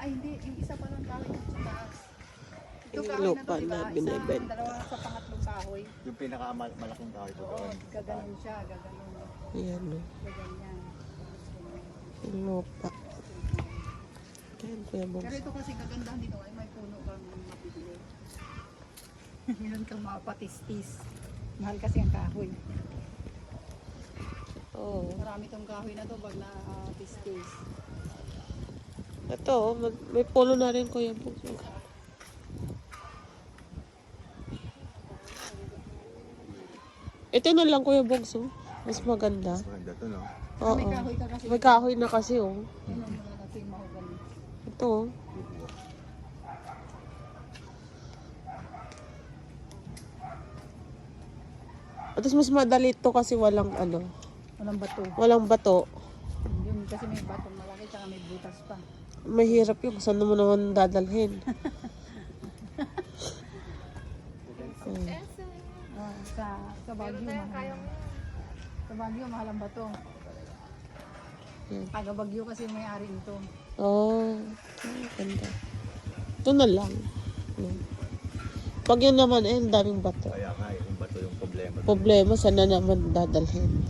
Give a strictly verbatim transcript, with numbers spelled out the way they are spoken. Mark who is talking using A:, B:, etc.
A: Ay, hindi. Yung isa pa lang kahoy dito sa taas. Ito
B: Yung
A: kahoy na
B: lupa
A: to, diba?
B: na
A: Isa,
B: binibenta.
A: dalawa sa pangatlong kahoy.
C: Yung pinakamalaking kahoy ko
A: Oo,
C: doon.
A: gaganon siya, gaganon.
B: Ayan o.
A: Gaganyan.
B: Yung lupa. Ayan, Kuya
A: Pero
B: Bongs.
A: ito kasi kagandahan dito ay may puno kang mapipili. Meron kang mapatistis. Mahal kasi ang kahoy.
B: Oo.
A: Marami tong kahoy na to pag na-tistis.
B: Ito, oh, mag- may polo na rin Kuya Bongs. Ito na lang Kuya Bongs, oh. Mas maganda.
C: Mas maganda to, no?
B: Oo.
A: May kahoy ka kasi.
B: May kahoy na kasi, oh.
A: Ano mo na natin mahogany.
B: Ito, oh. At least mas madali ito kasi walang ano,
A: Walang bato.
B: walang bato.
A: Yun kasi may batong malaki tsaka may butas pa.
B: Mahirap yung saan mo naman dadalhin. Hmm.
A: Ah, sa sa Baguio mahal. Sa Baguio mahal ang bato.
B: Yan.
A: Taga Baguio kasi may ari nito.
B: Oh, ay, ganda. Ito na lang. No. Pag yun naman, eh, ang daming bato.
C: Kaya nga, eh, yung bato yung problema.
B: Problema, saan na naman dadalhin?